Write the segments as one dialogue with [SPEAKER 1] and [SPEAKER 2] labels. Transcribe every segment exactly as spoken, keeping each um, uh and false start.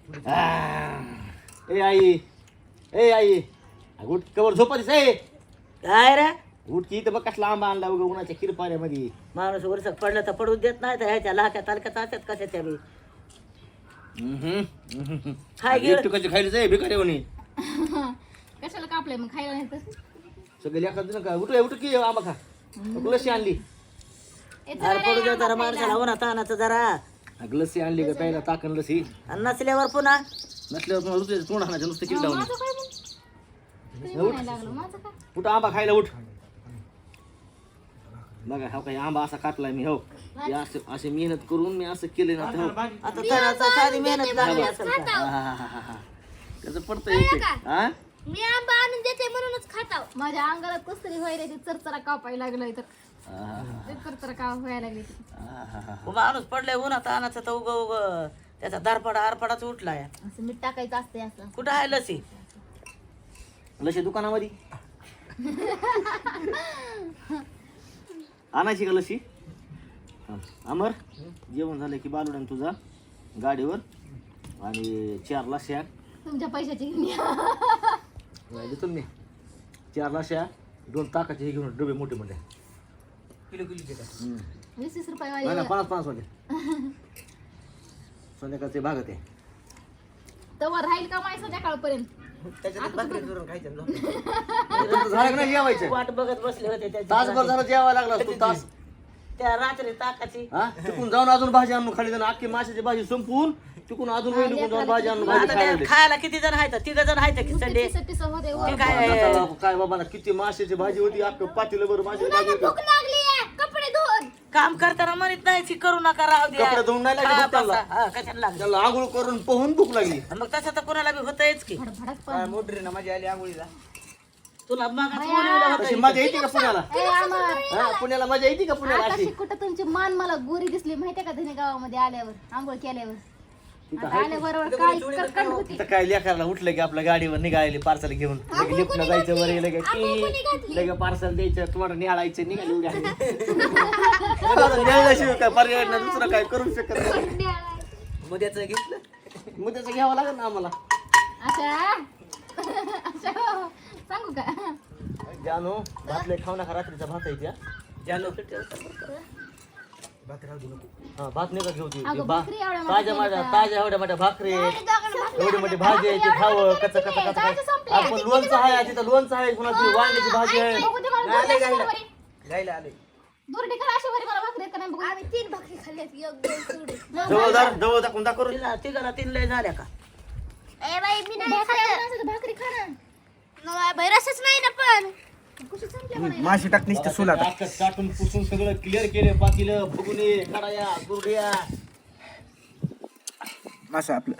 [SPEAKER 1] ए आई ए आई उठ कवर झोपायचं ए
[SPEAKER 2] काय रे
[SPEAKER 1] उठ की इथं बघ कसला आंबा आणला उगा उन्हाच्या किरपाण्यामध्ये.
[SPEAKER 2] माणूस वर्षात पडलं तर पडून देत नाही तर ह्याच्या लाख्या तालक्यात असतात कशा त्या बी खाय गेलं
[SPEAKER 1] एकटू कशी खायला जाय भिकारी म्हणे
[SPEAKER 3] कशाला कापलंय मग खायला नाही तर
[SPEAKER 1] सगळे लेखा दिलं का उठ उठ की आंबा खा लस्सी आणली
[SPEAKER 2] अरे पडू दे जरा माणसाला उन्हा तानाचं जरा
[SPEAKER 1] अगं लस्सी आणली का प्यायला ताकन लस्सी
[SPEAKER 2] आणि नसल्यावर पुन्हा
[SPEAKER 1] नसल्यावर तुम्हाला दुसऱ्या तोंड आणायचं नुसतं किल डावून
[SPEAKER 3] माझं काय मग तुम्ही म्हणायला लागलो माझं काय
[SPEAKER 1] उठ आंबा खायला उठ बघा हो काही आंबा असा काटलाय मी हो हे असं असे मेहनत करून मी असं केलं ना तर हो.
[SPEAKER 2] आता तणाचा साधी मेहनत लागली असेल का?
[SPEAKER 1] आहाहाहा. त्याचं पडतं एक हा
[SPEAKER 3] मी आंबा आणून देते म्हणूनच खाताव माझ्या अंगाला कसतरी व्हायला ते चरचरा कापायला लागलाय तर ते चरचरा का व्हायला लागली
[SPEAKER 2] हो, माणूस पडलाय उन्हा तानाचं तर उग उग त्याचा दारपडा आरपडाच उठलाय
[SPEAKER 3] असं मीठ टाकायचं असते असं
[SPEAKER 2] कुठं आहे लसी
[SPEAKER 1] लशी दुकानामध्ये आणायची का लशी हा. अमर जेवण झालं की बालुडान तुझा गाडीवर आणि चार लस्या
[SPEAKER 3] तुमच्या पैशाची घेऊन
[SPEAKER 1] देतो मी चार लस्या दोन ताकाचे हे घेऊन डबे मोठे मोठे
[SPEAKER 2] किलो किलो
[SPEAKER 1] हम्म.
[SPEAKER 3] वीस वीस रुपये
[SPEAKER 1] नाही, नाही,
[SPEAKER 3] वाले
[SPEAKER 1] पन्नास पन्नास वाटे संध्याकाळचे भागत आहे
[SPEAKER 3] तवर राहील का माय संध्याकाळपर्यंत
[SPEAKER 2] त्याच्यात भाकरी करून खायचं
[SPEAKER 1] तुमचं झालं का नाही जेवायचं
[SPEAKER 2] वाट बघत बसले होते
[SPEAKER 1] तासभर
[SPEAKER 2] त्याची
[SPEAKER 1] झालं जेवायला लागला तू तास
[SPEAKER 2] त्या रात्री ताकाची
[SPEAKER 1] हा तिकून जाऊन अजून भाजी आणून खाली जाऊन अख्खी माशाची भाजी संपवून तिकून अजून वेळ निघून जाऊन भाजी आणून भाजी
[SPEAKER 2] आता
[SPEAKER 1] खायला
[SPEAKER 2] त्या
[SPEAKER 1] लागली.
[SPEAKER 2] खायला किती जण आहेत तिघ जण आहेत की संडे
[SPEAKER 3] पिसं पिसं होते
[SPEAKER 2] ते काय
[SPEAKER 1] नाताला काय बाबा ना किती माशाची भाजी होती अख्खं पातेलं बरं माशाची भाजी होती
[SPEAKER 3] भूक लागली कपडे धुवून
[SPEAKER 2] काम करताना म्हणत नाही की करू नका राहू द्या
[SPEAKER 1] कपडे धुवून नाही लागले
[SPEAKER 2] हा,
[SPEAKER 1] भूक त्यांना.
[SPEAKER 2] बसा. हा, कशाला लागलं
[SPEAKER 1] त्याला आंघोळ करून पोहून भूक लागली
[SPEAKER 2] मग तसं तर कोणाला बी होतच की
[SPEAKER 3] भडभडच पण
[SPEAKER 2] मोटरीनं माझी आली आंघोळीला तुला मागाचं
[SPEAKER 1] तशी
[SPEAKER 2] होतं
[SPEAKER 1] मजा येते का पुण्याला
[SPEAKER 3] ए, आम्हा-
[SPEAKER 1] हा, पुण्याला मजा येते का पुण्याला
[SPEAKER 3] आकाशी
[SPEAKER 1] अशी
[SPEAKER 3] कुठं तुमची मान मला गोरी दिसली माहितीये का धने गावामध्ये आल्यावर आंघोळ केल्यावर
[SPEAKER 1] तिथं
[SPEAKER 3] आता आल्याबरोबर काय कटकट होती
[SPEAKER 1] तिथं काय लेकराला उठलं की आपल्या गाडीवर निघाली पार्सल घेऊन लगे लिफ्टला जायचं वर लगे टी लगे पार्सल द्यायचं तुम्हाला निळायचं निघाली उड्या निळल्याशिवाय काय पर्याय नाही दुसरं काय करू शकत नाही
[SPEAKER 2] मुद्याचं घेतलं
[SPEAKER 1] मग त्याचं घ्यावं लागेल ना आम्हाला
[SPEAKER 3] अशा अशा सांगू का
[SPEAKER 1] जानू भातले खाऊ नका रात्रीचा भात आहे त्या
[SPEAKER 2] जानो
[SPEAKER 1] हा भात नाही का घेऊ ती
[SPEAKER 3] अगं,
[SPEAKER 1] भा-
[SPEAKER 3] भाकरी एवढ्या मोठ्या
[SPEAKER 1] ताज्या माझ्या ताज्या एवढ्या मोठ्या भाकरी आहेत. एवढी मोठी भाजी आहे ती खावं कच कच कच आपण लोणचं आहे तिथं लोणचं आहे कुणाची वांग्याची भाजी आहे
[SPEAKER 3] बघू दे मला दोन
[SPEAKER 2] आले
[SPEAKER 3] अशी
[SPEAKER 2] गायला.
[SPEAKER 3] बरी.
[SPEAKER 2] गायला आले
[SPEAKER 3] दोरडी करा अशी बरी मला भाकरी येत का नाही बघू आम्ही तीन भाकरी खाल्ल्यात एक दोन सोडून
[SPEAKER 1] जवळदार जवळ दाखवून दाखवून
[SPEAKER 2] तिला तिघाला तीन लय झाल्या का
[SPEAKER 3] ए बाई मी नाही खाल्लं भाकरी खा ना बाई रसच नाही ना पण कशी संपल्या मला
[SPEAKER 4] माशी टाक निसतं सुला
[SPEAKER 1] अख्खं चाटून पुसून सगळं क्लिअर केले पातीलं फुगुने कडाया गुरड्या
[SPEAKER 4] मासा आपलं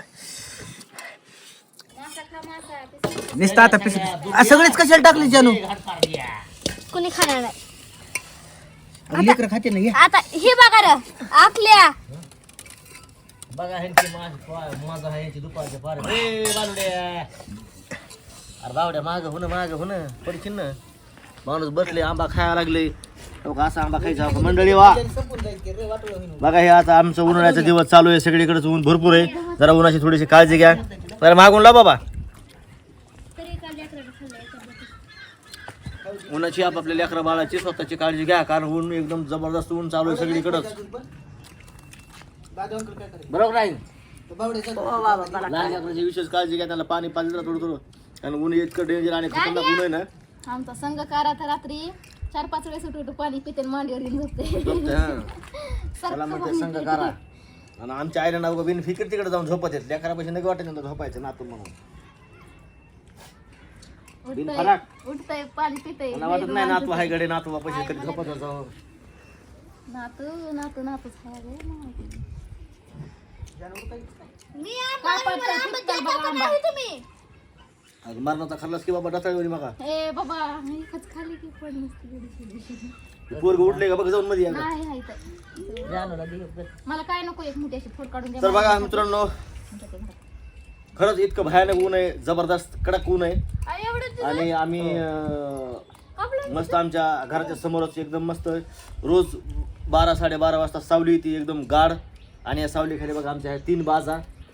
[SPEAKER 3] मासा खा मासा
[SPEAKER 4] निसतं आता पिस सगळेच कशाला टाकले जानू
[SPEAKER 3] कोणी खाणार नाही
[SPEAKER 4] लेकर खाते ना ये
[SPEAKER 3] आता हे बघा रे आखल्या
[SPEAKER 1] बघा ह्यांची माझ माझा आहे यांची दुपारच्या पार ए बालुड्या अरे बावड्या माग होणं माग होणं पडशील ना माणूस बसले आंबा खायला लागले हो का असा आंबा खायचा हो का? मंडळी वा बघा हे आता आमचं उन्हाळ्याचा दिवस चालू आहे सगळीकडेच ऊन भरपूर आहे जरा उन्हाची थोडीशी काळजी घ्या जरा मागून ला बाबा उन्हाची आपापल्या लेकरा बाळाची स्वतःची काळजी घ्या कारण ऊन एकदम जबरदस्त ऊन चालू आहे सगळीकडंच बरोबर नाही
[SPEAKER 2] हो बाबा मला
[SPEAKER 1] लहान लेकराची विशेष काळजी घ्या त्याला पाणी पाजलं ना थोडं थोडं कारण ऊन इतकं डेंजर आणि खतरनाक ऊन आहे ना
[SPEAKER 3] आमचा संघ करा तर रात्री चार पाच वेळेस उठू उठू पाणी पिते आणि मांडीवर घेऊन झोपते
[SPEAKER 1] झोपते, हां. त्याला म्हणते संघ करा आणि आमच्या आईला ना बिन फिकीर तिकडे जाऊन झोपत येत लेकरापाशी नका वाटत नंतर झोपायचं नातून म्हणून बिन
[SPEAKER 3] उठतंय
[SPEAKER 1] फराक
[SPEAKER 3] उठतंय पाणी पितंय
[SPEAKER 1] मला वाटत नाही नातू आहे गडे नातू बापाशी कधी झोपत जाऊ
[SPEAKER 3] नातू नातू नातूच आहे रे
[SPEAKER 1] अगं मरणाचा खाल्लास की बाबा डचाळी मगा
[SPEAKER 3] ए बाबा एकच खाली की पण नसती
[SPEAKER 1] पोरग उठले का बघ जाऊन मध्ये एकदा.
[SPEAKER 3] नाही आहे तर.
[SPEAKER 2] जानूला दे एक.
[SPEAKER 3] मला काय नको एक मोठी अशी फोड काढून द्या
[SPEAKER 1] तर बघा मित्रांनो खरंच इतकं भयानक ऊन आहे जबरदस्त कडक ऊन आहे आणि आम्ही अं, मस्त आमच्या घराच्या समोरच एकदम मस्त रोज बारा साडेबारा वाजता सावली येते एकदम गाढ आणि या सावलीखाली बघा आमच्या ह्या तीन बाजा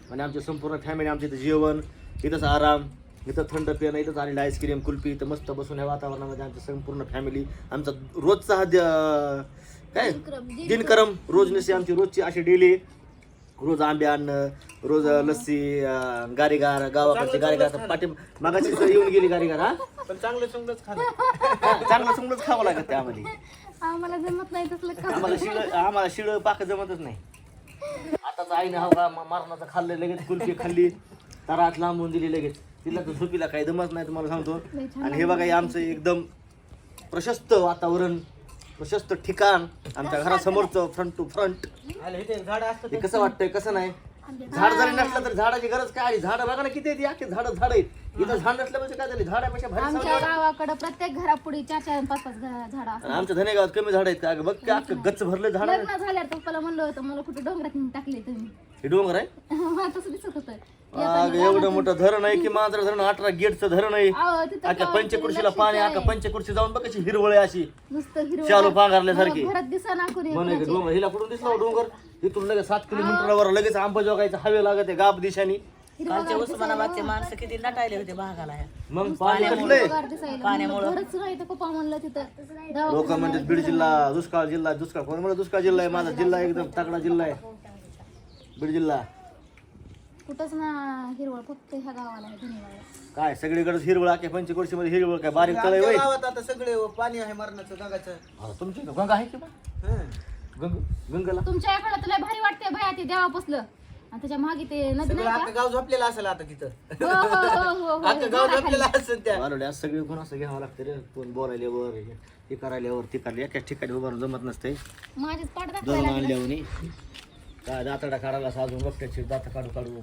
[SPEAKER 1] आणि आमची संपूर्ण फॅमिली आमच्या इथं जेवण, इथंच आराम, इथं थंड पिणं, इथंच आलेलं आईस्क्रीम कुल्फी, इथं मस्त बसून ह्या वातावरणामध्ये आमची संपूर्ण फॅमिली, आमचा रोजचा हा द- काय दिनक्रम रोज नसे आमची रोजची अशी डेली, रोज आंबे आणणं, रोज लस्सी, अं, गारीगार, गावाकडची गारीगार, पाठी मागाची इथं येऊन गेली गारीगार. हा
[SPEAKER 4] पण चांगलं चांगलंच खाणं.
[SPEAKER 1] हा, चांगलं चांगलंच खावं लागत त्यामध्ये.
[SPEAKER 3] आम्हाला जमत नाही तसलं खा.
[SPEAKER 1] आम्हाला शिळ आम्हाला शिळ पाक जमतच नाही. आताच आईने हा का मरणाचं खाल्लं, लगेच कुल्फी खाल्ली, तरात लांबून दिली लगेच. तिला तर झोपीला काही दमत नाही तुम्हाला सांगतो. आणि हे बघा हे आमचं एकदम प्रशस्त वातावरण, प्रशस्त ठिकाण, आमच्या घरासमोरचं फ्रंट टू फ्रंट.
[SPEAKER 4] आलं इथे झाड असतं
[SPEAKER 1] हे कसं वाटतंय कसं नाही. झाड जरी नसलं तर झाडाची गरज काय आली. झाड बघा ना किती आहेत, अख्खे झाड झाड आहेत. इथं झाड नसलं म्हणजे काय झालं, झाडापेक्षा भारी
[SPEAKER 3] आमच्या
[SPEAKER 1] सावली.
[SPEAKER 3] गावाकडे प्रत्येक घरापुढे चार चार पाच पाच झाड
[SPEAKER 1] आणि आमच्या धनेगावात कमी झाड आहेत का बघ की अख्खं गच्च भरलं झाड.
[SPEAKER 3] लग्न झाल्यावर पप्पाला म्हणलं होतं मला कुठे डोंगरात नेऊन टाकले तुम्ही.
[SPEAKER 1] हे डोंगर आहे.
[SPEAKER 3] मला तसं दिसत होतं.
[SPEAKER 1] अगं, एवढं मोठं धरण आहे की मांजर धरण, अठरा गेटचं धरण आहे.
[SPEAKER 3] अहो, तिथं
[SPEAKER 1] अख्या
[SPEAKER 3] गावात
[SPEAKER 1] पंचकृषीला
[SPEAKER 3] लक्षच
[SPEAKER 1] पाणी,
[SPEAKER 3] आहे.
[SPEAKER 1] अख्या पंचकृषी जाऊन बघ कशी हिरवळ आहे अशी
[SPEAKER 3] नुसतं हिरवं
[SPEAKER 1] शालू पांघरल्यासारखी.
[SPEAKER 3] मला घरात दिसा ना कोणी
[SPEAKER 1] म्हणे की डोंगर, हिला कुठून दिसला हो डोंगर, इथून लगेच सात किलोमीटरवर लगेच आंबाजोगाईचं हवे लागत आहे गाब दिशानी.
[SPEAKER 2] कालच्या उस्मानाबादचे माणसं किती नटायले होते भागाला ह्या.
[SPEAKER 1] मग पाणी कसलंय.
[SPEAKER 3] हिरवगार दिसायला. म्हणलं घरच नाही तर पप्पा म्हणलं तिथं दवाखाना
[SPEAKER 1] लोक म्हणतात बीड जिल्हा दुष्काळ जिल्हा, दुष्काळ कोण म्हणलं दुष्काळ जिल्हा आहे. माझा जिल्हा एकदम तगडा जिल्हा आहे बीड जिल्हा.
[SPEAKER 3] कुठंच ना हिरवळ, फक्त ह्या गावाला आहे धन्यवाद.
[SPEAKER 1] काय सगळीकडे हिरवळ, अख्या पंचकृषी मध्ये हिरवळ, काय बारीक तळ आहे होय.
[SPEAKER 4] गावात आता सगळे पाणी आहे मरणाचं गंगाचं.
[SPEAKER 1] हा, तुमची इथं गंगा आहे की बा?
[SPEAKER 4] हं.
[SPEAKER 1] गंग गंगाला
[SPEAKER 3] तुमच्या इकडे तुला भारी वाटते भया ते देवापसलं आणि त्याच्या मागे ते नदी
[SPEAKER 4] सगळं
[SPEAKER 3] नाही
[SPEAKER 4] अख्खं गाव झोपलेलं असेल आता तिथं.
[SPEAKER 3] का? हो, हो, हो, हो, हो.
[SPEAKER 4] अख्खं गाव झोपलेलं असेल त्या.
[SPEAKER 1] वालोड्या सगळे कोण असं घ्यावं लागतं रे. कोण बोलायल्यावर हे करायल्यावर ती करायला एकाच ठिकाणी उभारून जमत नसते.
[SPEAKER 3] माझीच पाठ
[SPEAKER 1] दळून
[SPEAKER 3] दाखवायला लागलं.
[SPEAKER 1] आणल्यावर काय दातडा काढायला साजून बघत्याची दात काढू काढू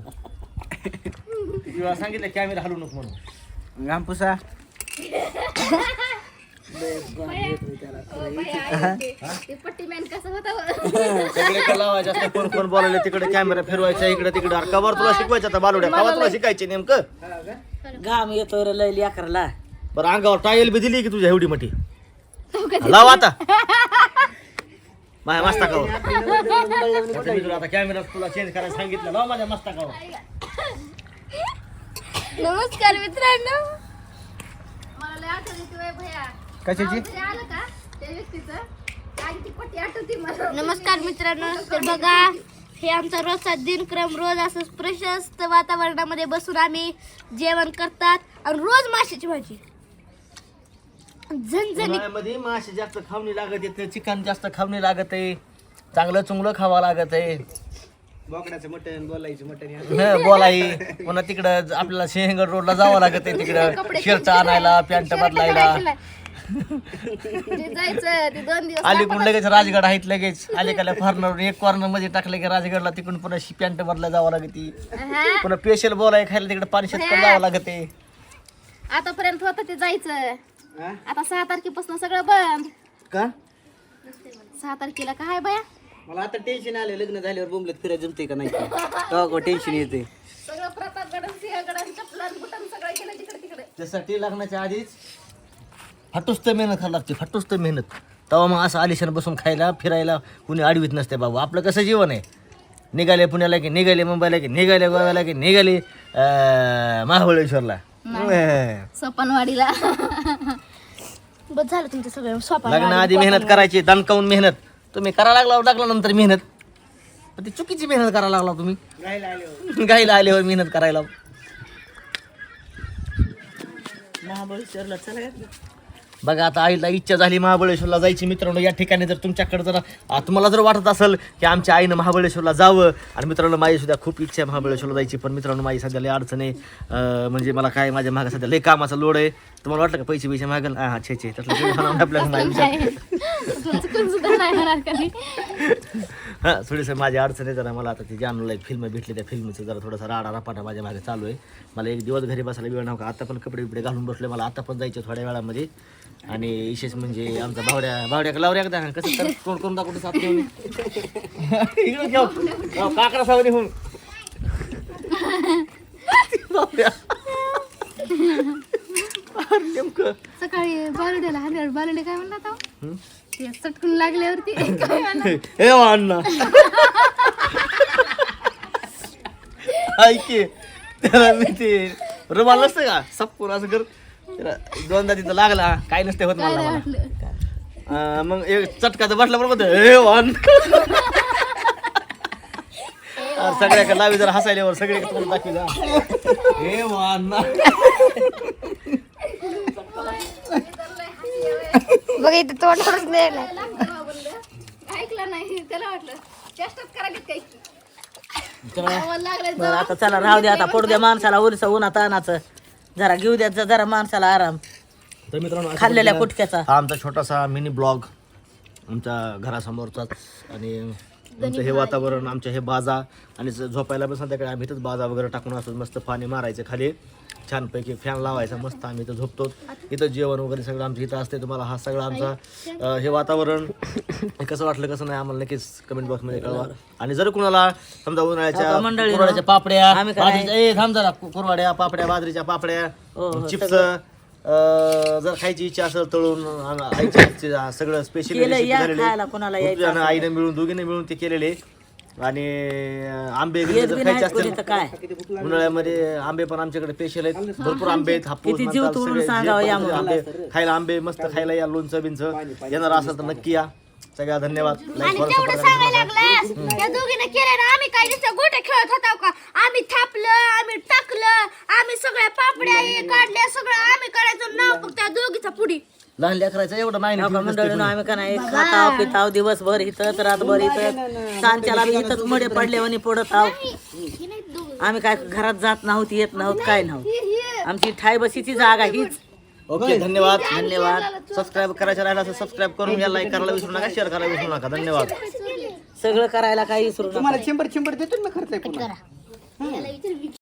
[SPEAKER 1] किती वेळा सांगितलं कॅमेरा हलू नको म्हणून.
[SPEAKER 4] घामपुसा
[SPEAKER 3] ते पट्टी मॅन कसं होतं
[SPEAKER 1] सगळे लावायचे असते, कोण कोण बोलायला तिकडे कॅमेरा फिरवायचा इकडे तिकडे. अरे कवर तुला शिकवायचं आता बालुड्या, कवर तुला शिकायचे नेमकं.
[SPEAKER 2] घाम येतो रे लय लेकराला.
[SPEAKER 1] बरं अंगावर टायल बी दिली की तुझ्या एवढी मोठी लाव आता माझ्या मस्तकावर. आता कॅमेरा तुला चेंज करायला सांगितलं, लाव माझ्या मस्तकावर.
[SPEAKER 3] नमस्कार मित्रांनो. मला लय आठवण येते बाई भैया.
[SPEAKER 4] कशाची?
[SPEAKER 3] नाव तरी आलं का त्या व्यक्तीचं? काय ती पट्टी आठवते मला. नमस्कार मित्रांनो. तर बघा हे आमचा रोजचा दिनक्रम. रोज असं प्रशस्त वातावरणामध्ये बसून आम्ही जेवण करतात आणि रोज माशाची भाजी झणझणीत.
[SPEAKER 1] उन्हाळ्यामध्ये मासे जास्त खावणी लागत आहे, चिकन जास्त खावणी लागत आहे, चांगलं चुंगलं खावं लागत आहे.
[SPEAKER 4] बोकडाचं मटण, बोलायचं मटण.
[SPEAKER 1] हं, बोलाई पुन्हा तिकडं आपल्याला सिंहगड रोडला जावं लागत आहे, तिकडं शर्ट आणायला, पॅन्ट बदलायला.
[SPEAKER 3] ते जायचं ते दोन दिवस
[SPEAKER 1] अलीकडून लगेच राजगड आहेत, लगेच अलीकडल्या फॉर्नर एक कॉर्नर मध्ये टाकलं की राजगडला तिकडून पुन्हा पॅन्ट बदलायला जावं लागते.
[SPEAKER 3] हा.
[SPEAKER 1] पुन्हा स्पेशल बोलाय खायला तिकडे पाणी शेतकरी जावं लागते.
[SPEAKER 3] आतापर्यंत होतं ते जायचं.
[SPEAKER 4] हा?
[SPEAKER 3] आता सहा तारखेपासून सगळं बंद.
[SPEAKER 1] का
[SPEAKER 3] सहा तारखेला काय बाया
[SPEAKER 4] मला आता टेन्शन आले, लग्न झाल्यावर बोंबलत फिरायला जमते का नाही तेव्हा टेन्शन येते.
[SPEAKER 3] सगळं प्रतापगड सिंहगड चपलान बुटान सगळं केलं तिकडे तिकडे.
[SPEAKER 1] त्यासाठी लग्नाच्या आधीच फटुस्त मेहनत करावी लागते, फटुस्त मेहनत. तेव्हा मग असं आलिशान बसून खायला फिरायला कुणी आडवीत नसते बाबू. आपलं कसं जीवन आहे, निघाले पुण्याला की निघाले मुंबईला की निघाले गोव्याला की निघाले अं, महाबळेश्वरला.
[SPEAKER 3] सोपानवाडीला. बस झालं तुमचं सगळं सोपान.
[SPEAKER 1] लग्नाआधी मेहनत करायची, दणकावून मेहनत. तुम्ही करायला लागला लागल्यानंतर मेहनत, पण ती चुकीची मेहनत करायला लागला तुम्ही. गायला आल्यावर मेहनत करायला.
[SPEAKER 2] महाबळेश्वरला चला
[SPEAKER 1] बघा आता आईला इच्छा झाली महाबळेश्वरला जायची. मित्रांनो या ठिकाणी जर तुमच्याकडे जर आ, तुम्हाला जर वाटत असेल की आमच्या आईनं महाबळेश्वरला जावं, आणि मित्रांनो माझी सुद्धा खूप इच्छा आहे महाबळेश्वरला जायची, पण मित्रांनो माझी सध्या लय अडचण आहे. अं, म्हणजे मला काय माझ्या मागं सध्या लय कामाचा लोड आहे. तुम्हाला वाटलं का पैसे पैसे मागेल? हां छे छे तसलं काही होणार नाही आपल्याला नाही विचार.
[SPEAKER 3] चुकून सुद्धा नाही होणार कधी.
[SPEAKER 1] हां थोडीसं माझी अडचण आहे जरा. मला आता ती जानूला एक फिल्म भेटली, त्या फिल्मचं जरा थोडासा राडा रापाटा माझ्या मागे चालू आहे. मला एक दिवस घरी बसायला वेळ नव्हता. आता पण कपडे बिपडे घालून बसले, मला आता पण जायचं थोड्या वेळामध्ये. आणि विशेष म्हणजे आमचा भावड्या भावड्या लावऱ्या एकदा कसं तर कोण कोण दाखवतो साथ घेऊन इकडे घेऊ काकडा सावनी होऊन नेमकं
[SPEAKER 3] सकाळी बालुड्याला हरिहर बालुडे काय म्हणला होता? ते चटकून लागल्यावरती काय म्हणला?
[SPEAKER 1] हे अण्णा ऐक की, त्याला मी ते रुमाल नसतं का सपकून असं कर त्याला दोनदा तिथं लागला काय नसते होत मला मला. अं, मग एक चटकाचं बसला बरोबर हे वान सगळ्याकडे लावी जरा हसायल्यावर सगळे तोंड दाखवी जा हे वान
[SPEAKER 3] बघा इथे तोंडावरच द्यायला
[SPEAKER 5] ऐकलं नाही त्याला वाटलं चेष्टाच करायला काही
[SPEAKER 2] बरं आता चला राहू द्या आता पडू द्या माणसाला उरसा उन्हात आणाचं जरा घेऊ द्या ज- जरा माणसाला आराम
[SPEAKER 1] तर मित्रांनो अशा
[SPEAKER 2] खाल्लेल्या
[SPEAKER 1] पद्धतीनं
[SPEAKER 2] कुटक्याचा
[SPEAKER 1] हा आमचा छोटासा मिनी ब्लॉग आमच्या घरासमोरचाच आणि आमचं हे वातावरण आमच्या हे बाजा आणि ज- झोपायला पण संध्याकाळी आम्ही इथंच बाजा वगैरे टाकून असतो मस्त पाणी मारायचं खाली छानपैकी फॅन लावायचा मस्त आम्ही इथं झोपतो इथं जेवण वगैरे सगळं आमचं इथं असते तुम्हाला हा सगळं आमचा अं, हे वातावरण हे कसं वाटलं कसं नाही आम्हाला नक्कीच कमेंट बॉक्समध्ये कळवा आणि जर कुणाला समजा उन्हाळ्याच्या
[SPEAKER 2] आता मंडळीनं,
[SPEAKER 1] कुरवाड्याच्या पापड्या
[SPEAKER 2] आम्ही काय-
[SPEAKER 1] बाजरीच्या ए, थांब जरा कु- कुरवाड्या पापड्या बाजरीच्या पापड्या
[SPEAKER 2] हो, हो,
[SPEAKER 1] चिप्स अं, जर खायची इच्छा असेल तळून आम- आईच्या हातचे, अं, सगळं स्पेशल
[SPEAKER 2] केलं या खायला कोणाला यायचं
[SPEAKER 1] आईने मिळून दोघीने मिळून ते केलेले आणि अं, आंबे
[SPEAKER 2] येत
[SPEAKER 1] वगैरे जर
[SPEAKER 2] बी
[SPEAKER 1] खायचे
[SPEAKER 2] नाही कोणी
[SPEAKER 1] असतील
[SPEAKER 2] तर काय
[SPEAKER 1] उन्हाळ्यामध्ये आंबे पण आमच्याकडे स्पेशल आहेत भरपूर आंबे आहेत हापूस
[SPEAKER 2] किती जीव
[SPEAKER 1] म्हणतात,
[SPEAKER 2] तोडून
[SPEAKER 1] सगळे जे
[SPEAKER 2] सांगावं
[SPEAKER 1] पण
[SPEAKER 2] यामुळे.
[SPEAKER 1] आंबे खायला आंबे मस्त खायला या लोणचं बिंचं येणार असेल तर नक्की या सगळ्या धन्यवाद लाईक
[SPEAKER 3] आणि
[SPEAKER 1] फॉलो
[SPEAKER 3] तेवढं सांगायला लागलं त्या दोघीने केलं ना आम्ही काय नुसतं गोट्या खेळत होतो का आम्ही थापलं आम्ही टाकलं आम्ही सगळ्या पापड्या हे काढल्या सगळं आम्ही करायचं नाव फक्त त्या दोघीचा पुढी
[SPEAKER 1] लहान लेकरायचं एवढं माहिती
[SPEAKER 2] मंडळीनं आम्ही का नाही खाताव पिताव दिवसभर इथंच रातभर इथंच सांच्याला बी इथंच मडे पडले आणि पडत आहो आम्ही काय घरात जात नव्हती येत नव्हत काय नव्हतं आमची ठाय बशीची जागा हीच
[SPEAKER 1] ओके धन्यवाद
[SPEAKER 2] धन्यवाद
[SPEAKER 1] सबस्क्राईब करायचं राहिलं असं सबस्क्राईब करून या लाईक करायला विसरू नका शेअर करायला विसरू नका धन्यवाद
[SPEAKER 2] सगळं करायला काही विसरू नका
[SPEAKER 4] तुम्हाला शंभर शंभर देतो ना खर्च आहे पुन्हा